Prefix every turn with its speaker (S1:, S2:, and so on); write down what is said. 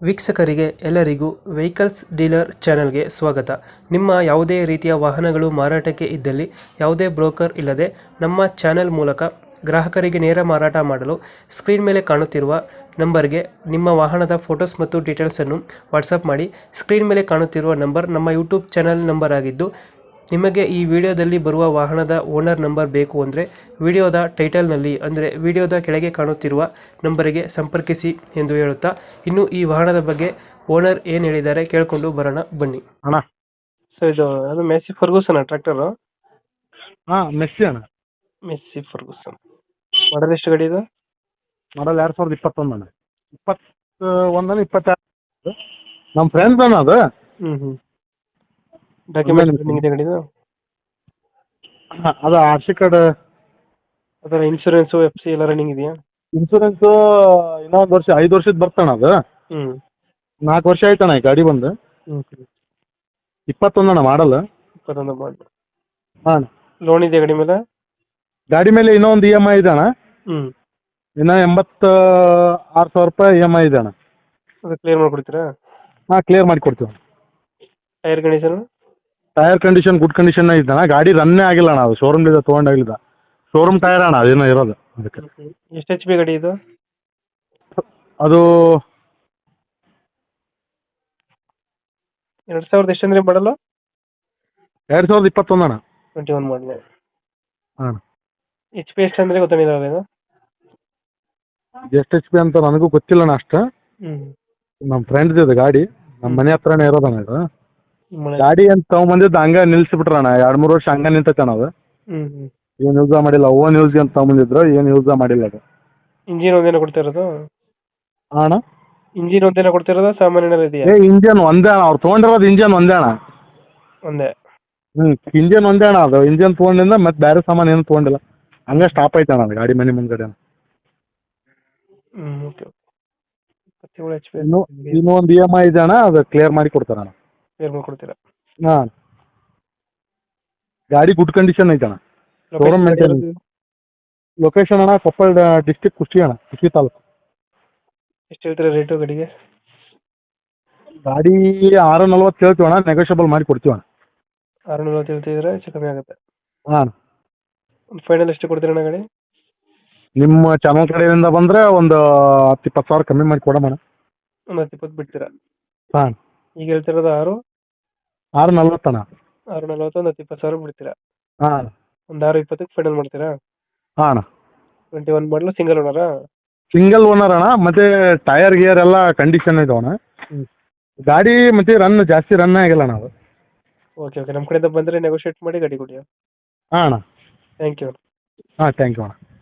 S1: ವೀಕ್ಷಕರಿಗೆ ಎಲ್ಲರಿಗೂ vehicles dealer ಚಾನೆಲ್ಗೆ ಸ್ವಾಗತ. ನಿಮ್ಮ ಯಾವುದೇ ರೀತಿಯ ವಾಹನಗಳು ಮಾರಾಟಕ್ಕೆ ಇದ್ದಲ್ಲಿ ಯಾವುದೇ ಬ್ರೋಕರ್ ಇಲ್ಲದೆ ನಮ್ಮ ಚಾನೆಲ್ ಮೂಲಕ ಗ್ರಾಹಕರಿಗೆ ನೇರ ಮಾರಾಟ ಮಾಡಲು ಸ್ಕ್ರೀನ್ ಮೇಲೆ ಕಾಣುತ್ತಿರುವ ನಂಬರ್ಗೆ ನಿಮ್ಮ ವಾಹನದ ಫೋಟೋಸ್ ಮತ್ತು ಡೀಟೇಲ್ಸನ್ನು ವಾಟ್ಸಪ್ ಮಾಡಿ. ಸ್ಕ್ರೀನ್ ಮೇಲೆ ಕಾಣುತ್ತಿರುವ ನಂಬರ್ ನಮ್ಮ ಯೂಟ್ಯೂಬ್ ಚಾನೆಲ್ ನಂಬರ್ ಆಗಿದ್ದು, ನಿಮಗೆ ಈ ವಿಡಿಯೋದಲ್ಲಿ ಬರುವ ವಾಹನದ ಓನರ್ ನಂಬರ್ ಬೇಕು ಅಂದರೆ ವಿಡಿಯೋದ ಟೈಟಲ್ನಲ್ಲಿ ಅಂದರೆ ವಿಡಿಯೋದ ಕೆಳಗೆ ಕಾಣುತ್ತಿರುವ ನಂಬರಿಗೆ ಸಂಪರ್ಕಿಸಿ ಎಂದು ಹೇಳುತ್ತಾ, ಇನ್ನು ಈ ವಾಹನದ ಬಗ್ಗೆ ಓನರ್ ಏನು ಹೇಳಿದ್ದಾರೆ ಕೇಳಿಕೊಂಡು ಬರೋಣ ಬನ್ನಿ.
S2: ಅಣ್ಣ
S1: ಸರ್, ಇದು ಅದು ಮೆಸ್ಸಿ ಫರ್ಗೂಸನ್ ಟ್ರ್ಯಾಕ್ಟರು?
S2: ಹಾಂ ಮೆಸ್ಸಿ ಅಣ್ಣ.
S1: ಮೆಸ್ಸಿ ಫರ್ಗೂಸನ್ ಮಾಡಲ್ ಎಷ್ಟು ಗಾಡಿ ಇದು?
S2: ಮಾಡಲ್ 2021 ಅಣ್ಣ. 21 22 ನಮ್ಮ ಫ್ರೆಂಡ್ಸ್ ಅಣ್ಣ ಅದು.
S1: ಡಾಕ್ಯುಮೆಂಟ್ ಇದೆ ಗಾಡಿದು?
S2: ಅದು ಆರ್ ಸಿ ಕಾರ್ಡ್,
S1: ಅದರ ಇನ್ಶೂರೆನ್ಸು ಎಫ್ ಸಿ ಎಲ್ಲ ರನ್ನಿಂಗ್ ಇದೆಯಾ?
S2: ಇನ್ಸೂರೆನ್ಸು ಇನ್ನೊಂದು ವರ್ಷ 5 ವರ್ಷದ ಬರ್ತಣ್ಣ. ಅದು 4 ವರ್ಷ ಆಯ್ತಣ್ಣ ಈ ಗಾಡಿ ಬಂದು. 21 ಅಣ್ಣ ಮಾಡಲ್.
S1: 21 ಮಾಡಲ್.
S2: ಹಾಂ,
S1: ಲೋನ್ ಇದೆ ಗಾಡಿ ಮೇಲೆ?
S2: ಗಾಡಿ ಮೇಲೆ ಇನ್ನೊಂದು ಇ ಎಮ್ ಐ ಇದೆ ಅಣ್ಣ. ಇನ್ನೂ 86,000 ರೂಪಾಯಿ ಇ ಎಮ್ ಐ ಇದೆ ಅಣ್ಣ.
S1: ಅದು ಕ್ಲಿಯರ್ ಮಾಡಿಕೊಡ್ತೀರಾ?
S2: ಹಾಂ, ಕ್ಲಿಯರ್ ಮಾಡಿ ಕೊಡ್ತೀವಿ.
S1: Tyre condition?
S2: Tyre condition good condition ಇದೆ ಅಣ್ಣ. ಗಾಡಿ ರನ್ನೇ ಆಗಿಲ್ಲ ಅಣ್ಣ. ಅದು ಶೋರೂಮ್ಲಿಂದ ತೊಗೊಂಡಾಗಿಲ್ಲ. ಶೋರೂಮ್ ಟೈರ್ ಅಣ್ಣ ಅದೇನೋ ಇರೋದು ಅದಕ್ಕೆ.
S1: ಎಷ್ಟು ಎಚ್ ಪಿ ಗಾಡಿ ಇದು?
S2: ಅದು
S1: 2000 ಎಷ್ಟು ಅಂದರೆ ಮಾಡಲು?
S2: 2021 ಅಣ್ಣ.
S1: 21 ಮಾಡಲ.
S2: ಹಾಂ,
S1: ಎಚ್ ಪಿ ಎಷ್ಟು ಅಂದರೆ ಗೊತ್ತಾಗಿಲ್ಲ ಇದು?
S2: ಎಷ್ಟು ಎಚ್ ಪಿ ಅಂತ ನನಗೂ ಗೊತ್ತಿಲ್ಲ ಅಣ್ಣ ಅಷ್ಟು. ನಮ್ಮ ಫ್ರೆಂಡ್ದು ಇದು ಗಾಡಿ, ನಮ್ಮ ಮನೆ ಹತ್ರನೇ ಇರೋದಣ್ಣ ಇದು. ಗಾಡಿ ಅಂತ ತೊಗೊಂಬಂದಿದ್ದು ಹಂಗೆ ನಿಲ್ಸಿಬಿಟ್ರಣ್ಣ. 2-3 ವರ್ಷ ಹಂಗೆ ನಿಂತೈತಣ್ಣ ಅದು. ಏನು ಯೂಸ ಮಾಡಿಲ್ಲ. ಓನ್ ಯೂಸ್ ಅಂತ ತೊಗೊಂಬಂದಿದ್ರು, ಏನು ಯೂಸ ಮಾಡಿಲ್ಲ ಅದು.
S1: ಇಂಜಿನ್ ಒಂದೇನ ಕೊಡ್ತಿರೋದು?
S2: ಅಣ್ಣ
S1: ಇಂಜಿನ್ ಒಂದೇನ ಕೊಡ್ತಿರೋದು ಸಾಮಾನ್ಯ ಇದೆಯಾ?
S2: ಇಂಜನ್ ಒಂದೇ ಅಣ್ಣ. ಅವ್ರು ತೊಗೊಂಡಿರೋದು ಇಂಜನ್ ಒಂದೇ ಅಣ್ಣ.
S1: ಒಂದೇ?
S2: ಇಂಜನ್ ಒಂದೇ ಅಣ್ಣ. ಅದು ಇಂಜನ್ ತೊಗೊಂಡಿಂದ ಮತ್ತೆ ಬೇರೆ ಸಾಮಾನು ಏನು ತೊಗೊಂಡಿಲ್ಲ. ಹಂಗೆ ಸ್ಟಾಪ್ ಆಯ್ತಣ್ಣ ಅದು ಗಾಡಿ ಮನೆ ಮುಂದ್ಗಡೆ.
S1: ಓಕೆ.
S2: ಇನ್ನೊಂದು ಇ ಎಮ್ ಐ ಇದೆ ಅಣ್ಣ. ಅದು ಕ್ಲಿಯರ್ ಮಾಡಿ ಕೊಡ್ತಾರಣ್ಣ.
S1: ಕ್ಲಿಯರ್ ಮಾಡಿಕೊಡ್ತೀರಾ?
S2: ಹಾಂ, ಗಾಡಿ ಗುಡ್ ಕಂಡೀಷನ್ ಐತಣ್ಣ. Showroom maintenance. ಲೊಕೇಶನ್ ಅಣ್ಣ ಕೊಪ್ಪಳ ಡಿಸ್ಟಿಕ್, ಕುಷ್ಟಗಿ ಅಣ್ಣ, ಕುಷ್ಟಗಿ ತಾಲೂಕು.
S1: ಎಷ್ಟು ಹೇಳ್ತೀರಾ ರೇಟು ಗಾಡಿಗೆ?
S2: ಗಾಡಿ 640 ಹೇಳ್ತೀವಿ ಅಣ್ಣ. ನೆಗೋಷಿಯಬಲ್ ಮಾಡಿ ಕೊಡ್ತೀವಿ ಅಣ್ಣ.
S1: 640 ಹೇಳ್ತಿದ್ರೆ ಹೆಚ್ಚು ಕಮ್ಮಿ ಆಗುತ್ತೆ.
S2: ಹಾಂ,
S1: ಫೈನಲ್ ಎಷ್ಟು ಕೊಡ್ತೀರಣ್ಣ ಗಾಡಿ?
S2: ನಿಮ್ಮ ಚಾನಲ್ ಕಡೆಯಿಂದ ಬಂದರೆ ಒಂದು 10-20 ಸಾವಿರ ಕಮ್ಮಿ ಮಾಡಿ ಕೊಡೋಣ.
S1: ಒಂದು 10-20 ಬಿಡ್ತೀರಾ?
S2: ಹಾಂ,
S1: ಈಗ ಹೇಳ್ತಿರೋದು
S2: 640 ಅಣ್ಣ.
S1: 640 ಒಂದು 10-20 ಸಾವಿರ ಬಿಡ್ತೀರಾ?
S2: ಹಾಂ,
S1: ಒಂದು 620 ಫೈನಲ್ ಮಾಡ್ತೀರಾ?
S2: ಹಾಂ ಅಣ್ಣ.
S1: 21 ಮಾಡಲು ಸಿಂಗಲ್ ಓನರಾ?
S2: ಸಿಂಗಲ್ ಓನರ್ ಅಣ್ಣ. ಮತ್ತೆ ಟೈರ್ ಗಿಯರ್ ಎಲ್ಲ ಕಂಡೀಷನ್ ಇದಾವಣ್ಣ. ಗಾಡಿ ಮತ್ತೆ ಜಾಸ್ತಿ ರನ್ ಆಗಿಲ್ಲ ಅಣ್ಣ ಅದು.
S1: ಓಕೆ ಓಕೆ, ನಮ್ಮ ಕಡೆಯಿಂದ ಬಂದರೆ ನೆಗೋಷಿಯೇಟ್ ಮಾಡಿ ಗಾಡಿ ಕೊಡಿ.
S2: ಹಾಂ ಅಣ್ಣ.
S1: Thank you.
S2: ಹಾಂ, ಥ್ಯಾಂಕ್ ಯು ಅಣ್ಣ.